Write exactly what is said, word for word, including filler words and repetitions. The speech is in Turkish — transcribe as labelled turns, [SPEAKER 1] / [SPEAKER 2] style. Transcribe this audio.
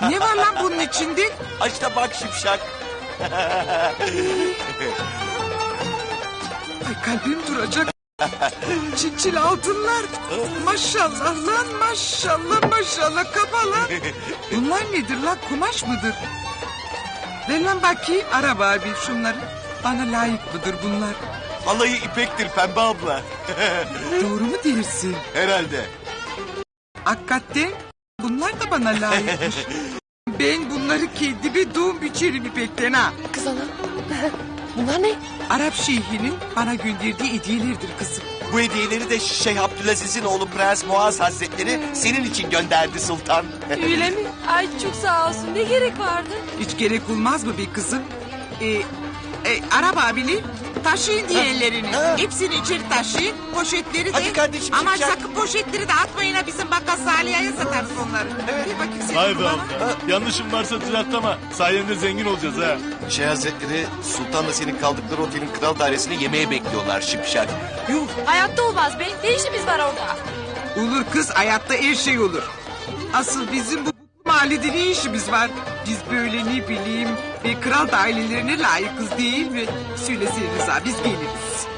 [SPEAKER 1] Ne var lan bunun içinde?
[SPEAKER 2] Aç da bak Şipşak.
[SPEAKER 1] Ay kalbim duracak. Çinçil altınlar. Maşallah lan maşallah maşallah kafalar. Bunlar nedir lan, kumaş mıdır? Ver lan bakayım araba abi şunları. Bana layık mıdır bunlar?
[SPEAKER 2] Vallahi ipektir Pembe abla.
[SPEAKER 1] Doğru mu dersin?
[SPEAKER 2] Herhalde.
[SPEAKER 1] Hakikaten bunlar da bana layıkmış. Ben bunları kendime doğum biçerim ipekten ha.
[SPEAKER 3] Kız ana. Bunlar ne?
[SPEAKER 1] Arap şeyhinin bana gönderdiği hediyelerdir kızım.
[SPEAKER 2] Bu hediyeleri de Şeyh Abdülaziz'in oğlu Prens Muaz Hazretleri senin için gönderdi sultan.
[SPEAKER 3] Öyle mi? Ay çok sağ olsun. Ne gerek vardı?
[SPEAKER 1] Hiç gerek olmaz mı bir kızım? Ee, e, Arap abili taşıyın diğerlerini. Hepsini içeri taşıyın. Poşetleri de.
[SPEAKER 2] Hadi kardeşim,
[SPEAKER 1] Ama
[SPEAKER 2] çıkacak.
[SPEAKER 1] sakın poşetleri de atmayın ha, bizim bakkal Saliha'ya satarız onları. Evet. Bir bakayım senin
[SPEAKER 4] Vay be
[SPEAKER 1] kulağına.
[SPEAKER 4] abla. Yanlışım varsa düzelt ama sayende zengin olacağız ha.
[SPEAKER 2] Şeyh Hazretleri sultanla senin kaldıkları otelin kral dairesine yemeğe bekliyorlar Şipşak.
[SPEAKER 1] Yuh,
[SPEAKER 3] Hayatta olmaz be. Ne işimiz var orada?
[SPEAKER 1] olur kız, hayatta her şey olur. Asıl bizim bu mahallede ne işimiz var? Biz böyle ne bileyim bir kral da ailelerine layıkız değil mi? Söylesene Rıza, biz geliriz.